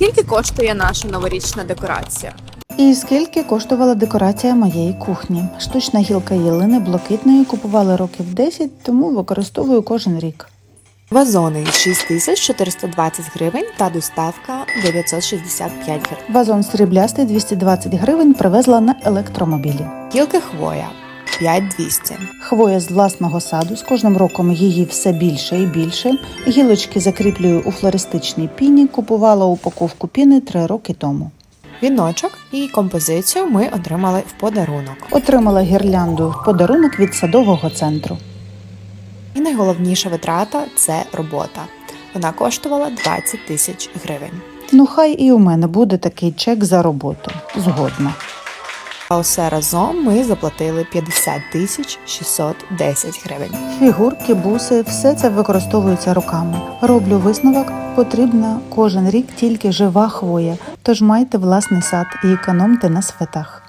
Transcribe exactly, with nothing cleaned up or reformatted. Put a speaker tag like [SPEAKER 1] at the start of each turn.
[SPEAKER 1] Скільки коштує наша новорічна декорація?
[SPEAKER 2] І скільки коштувала декорація моєї кухні? Штучна гілка ялини блакитної купували років десять, тому використовую кожен рік.
[SPEAKER 1] Вазони шість тисяч чотириста двадцять гривень та доставка дев'ятсот шістдесят п'ять гривень.
[SPEAKER 2] Вазон сріблястий двісті двадцять гривень привезла на електромобілі.
[SPEAKER 1] Гілки хвоя п'ять тисяч двісті.
[SPEAKER 2] Хвоя з власного саду, з кожним роком її все більше і більше. Гілочки закріплюю у флористичній піні, купувала упаковку піни три роки тому.
[SPEAKER 1] Віночок і композицію ми отримали в подарунок.
[SPEAKER 2] Отримала гірлянду в подарунок від садового центру.
[SPEAKER 1] І найголовніша витрата – це робота. Вона коштувала двадцять тисяч гривень.
[SPEAKER 2] Ну хай і у мене буде такий чек за роботу. Згодна.
[SPEAKER 1] А усе разом ми заплатили п'ятдесят тисяч шістсот десять гривень.
[SPEAKER 2] Фігурки, буси – все це використовується руками. Роблю висновок, потрібна кожен рік тільки жива хвоя, тож майте власний сад і економте на святах.